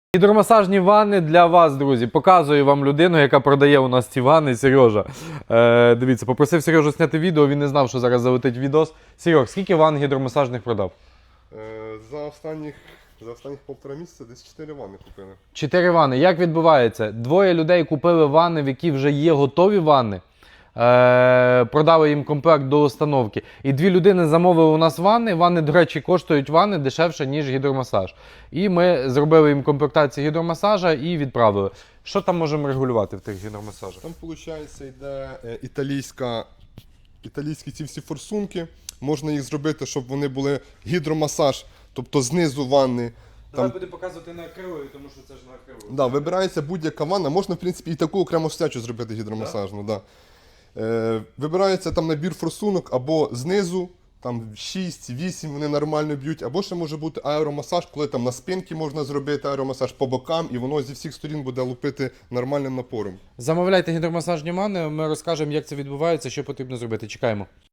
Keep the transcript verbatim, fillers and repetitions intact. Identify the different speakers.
Speaker 1: Гідромасажні ванни для вас, друзі. Показую вам людину, яка продає у нас ці ванни, Сережа. Е, дивіться, попросив Сережу зняти відео, він не знав, що зараз залетить відос. Серег, скільки ванн гідромасажних продав?
Speaker 2: Е, за останніх, за останніх півтора місяця десь чотири ванни купили.
Speaker 1: Чотири ванни. Як відбувається? Двоє людей купили ванни, в які вже є готові ванни. Е, продали їм комплект до установки. І дві людини замовили у нас ванни. Ванни, до речі, коштують ванни дешевше, ніж гідромасаж. І ми зробили їм комплектацію гідромасажа і відправили. Що там можемо регулювати в тих гідромасажах?
Speaker 2: Там, виходить, йде е, італійська, італійські ці всі форсунки. Можна їх зробити, щоб вони були гідромасаж, тобто знизу ванни.
Speaker 1: Давай будемо показувати на акрилові, тому що це ж на акрилові.
Speaker 2: Да, вибирається будь-яка ванна. Можна, в принципі, і таку окрему стячу зробити гідромасажну. Да? Да. Е, вибирається там набір форсунок або знизу, там шість-вісім вони нормально б'ють, або ще може бути аеромасаж, коли там на спинці можна зробити аеромасаж по бокам, і воно зі всіх сторін буде лупити нормальним напором.
Speaker 1: Замовляйте гідромасажні ванни, ми розкажемо, як це відбувається, що потрібно зробити. Чекаємо.